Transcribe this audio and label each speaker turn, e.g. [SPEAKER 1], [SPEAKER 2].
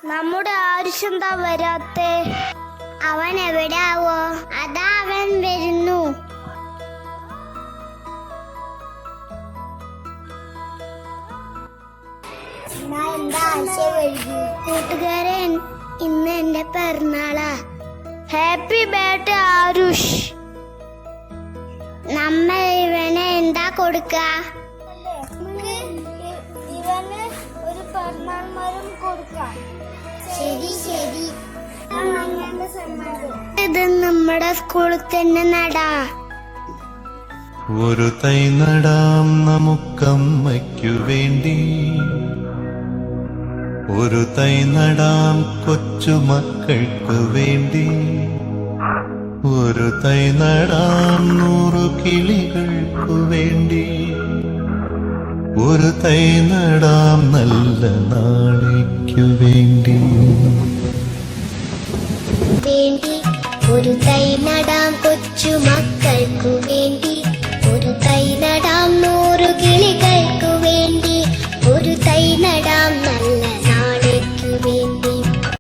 [SPEAKER 1] നമ്മുടെ ആരുഷ് എന്താ വരാത്തെ? അവൻ എവിടാവോ? അതാ അവൻ വരുന്നു. കൂട്ടുകാരൻ, ഇന്ന് എന്റെ പിറന്നാളാ. Happy birthday Aarush. നമ്മൾ ഇവന് എന്താ കൊടുക്ക? ഇവന് ഒരു പിറന്നാൾ മരം കൊടുക്കാം. ശരി ശരി. ഇത് നമ്മുടെ സ്കൂളിൽ തന്നെ നടാ.
[SPEAKER 2] ഒരു തൈ നടാം നമുക്കമ്മയ്ക്കു വേണ്ടി, ഒരു തൈ നടാം കൊച്ചുമക്കൾക്കു വേണ്ടി, ഒരു തൈ നടാം 100 കിളികൾക്കു വേണ്ടി, ഒരു തൈ നടാം നല്ല നാളേക്കു വേണ്ടി.
[SPEAKER 1] ഒരു തൈ നടാം കൊച്ചുമക്കൾക്കു വേണ്ടി.